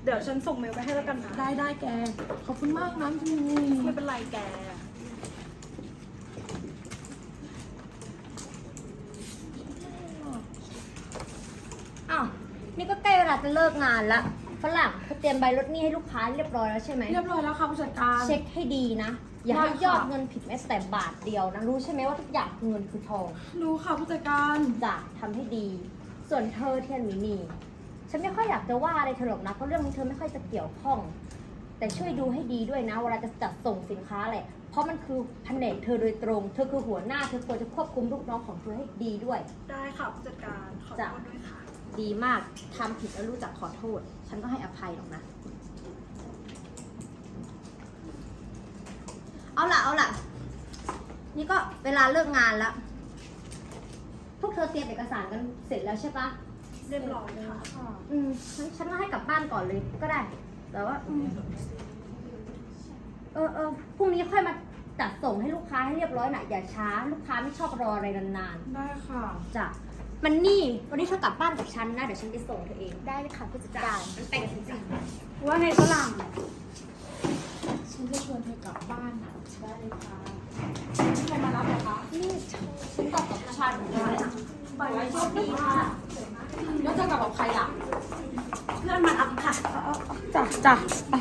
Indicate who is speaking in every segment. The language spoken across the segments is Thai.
Speaker 1: เดี๋ยวฉันส่งเมลไปให้แล้วกันนะ
Speaker 2: ได้แกขอบคุณมากนะพี่
Speaker 1: ไม่เป็นไรแก
Speaker 3: อ้าวนี่ก็ใกล้เวลาจะเลิกงานละฝรั่งเขาเตรียมใบลดหนี้ให้ลูกค้าเรียบร้อยแล้วใช่ไหม
Speaker 2: เรียบร้อยแล้วค่ะผู้จัดการ
Speaker 3: เช็คให้ดีนะ อย่าให้
Speaker 2: ได้ค่ะ
Speaker 3: ยอดเงินผิดแม้แต่บาทเดียวนะ รู้ใช่ไหมว่าทุกอย่างคือเงินคือทอง
Speaker 2: รู้ค่ะผู้จัดการ
Speaker 3: จะทำให้ดี ส่วนเธอเทียนหมีนีฉันไม่ค่อยอยากจะว่าอะไรเธอหรอกนะเพราะเรื่องนี้เธอไม่ค่อยจะเกี่ยวข้อง แต่ช่วยดูให้ดีด้วยนะเวลาจะจัดส่งสินค้าแหละเพราะมันคือแผนกเธอโดยตรงเธอคือหัวหน้าเธอควรจะควบคุมลูกน้องของเธอให้ดีด้วย
Speaker 1: ได้ค่ะผู้จัดการขอโทษด้วยค่ะ
Speaker 3: ดีมากทำผิดแล้วรู้จักขอโทษ ฉันก็ให้อภัยหรอกนะ เอาล่ะ นี่ก็เวลาเลิกงานแล้ว พวกเธอเตรียมเอกสารกันเสร็จแล้วใช่ปะ
Speaker 1: เรียบร้อยค่ะ
Speaker 3: ฉันว่าให้กลับบ้านก่อนเลยก็ได้ แต่ว่าพรุ่งนี้ค่อยมาจัดส่งให้ลูกค้าให้เรียบร้อยนะอย่าช้า ลูกค้าไม่ชอบรออะไรนาน
Speaker 2: ได้ค่ะ
Speaker 3: ๆจ้ะมันนี่วันนี้เธอกลับบ้านกับฉันนะเดี๋ยวฉันไปส่งเธอเองได้เลยค่ะผู้จัดการมันแต่งจริง
Speaker 1: ว่าไงฝรั่ง
Speaker 2: ฉันจะชวนเธอกลับบ้านนะได้เลยค่ะใครมารับเหรอคะ
Speaker 3: นี่ฉันกลับกับฉันเลยไปไว้โชคดีค่ะ
Speaker 2: แล้วจะกลับกับใครล่ะ
Speaker 3: เพื่อนมารับค่ะ
Speaker 2: จ้ะไป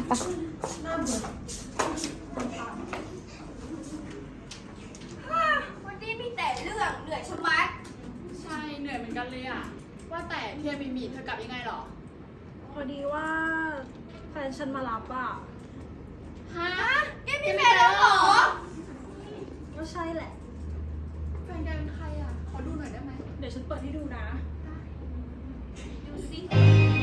Speaker 3: วันนี้มีแต่เรื่องเหนื่อยชะมัด
Speaker 4: ใช่เหนื่อยเหมือนกันเลยอะว่าแต่เทียนมีเธอกลับยังไงหรอ
Speaker 1: พอดีว่าแฟนฉันมารับอ่ะ
Speaker 4: ฮะแกมีแฟนแล้วเหรอ
Speaker 1: ก็ใช่แหละ
Speaker 4: แฟนแกเป็นใครอะขอดูหน่อยได้ไหม
Speaker 1: เดี๋ยวฉันเปิดให้ดูนะ
Speaker 4: ดูสิ